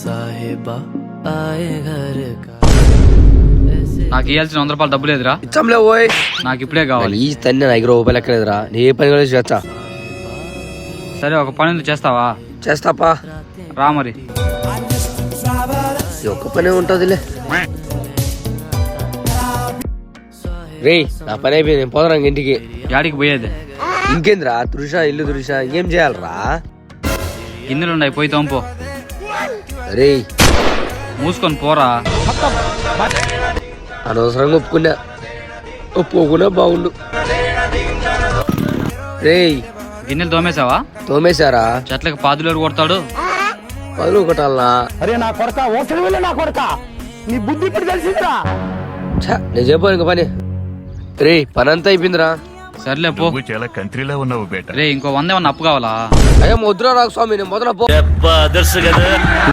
నాకు ఇవ్వాల్సిన 100 రూపాయలు డబ్బు లేదురా. ఇచ్చంలే ఓయ్, నాకు ఇప్పుడే కావాలి. ఈ తన్ని నా దగ్గర రూపాయలు ఎక్కలేదురా. నీ ఏ పని కూడా చేస్తా. సరే ఒక పని ఉంది, చేస్తావా? చేస్తాపా, రా మరి. ఈ ఒక్క పనే ఉంటుందిలే. రే నా పని అయిపోయింది, నేను పోదరా ఇంటికి. యాడికి పోయేది? ఇంకేంద్రా, తురుష ఇల్లు తురుష, ఇంకేం చేయాలరా? గిన్నెలు ఉన్నాయి, పోయి తోంపో. రే మూసుకొని పోరా. అనవసరంగా ఒప్పుకున్నా బాగుండు. రే గిన్నెలు తోమేశావా? తోమేశారా? చెట్లకు పాదులేరు కొడతాడు. పదులు ఒకటాలనా? అరే నా కొడక, ఓసలి వెళ్ళే నా కొడక, నీ బుద్ధి ఇప్పుడు తెలిసిందిరా. నేను చెప్పాను ఇంక పని. రే పని అంతా అయిపోయిందిరా. సర్లే పో. చాలా కంట్రీలో ఉన్నావు బేట. రే ఇంకో 100 ఏమన్నా అప్పు కావాలా? అయ్యో ముద్ర రాకు స్వామి, నేను మొదల పో.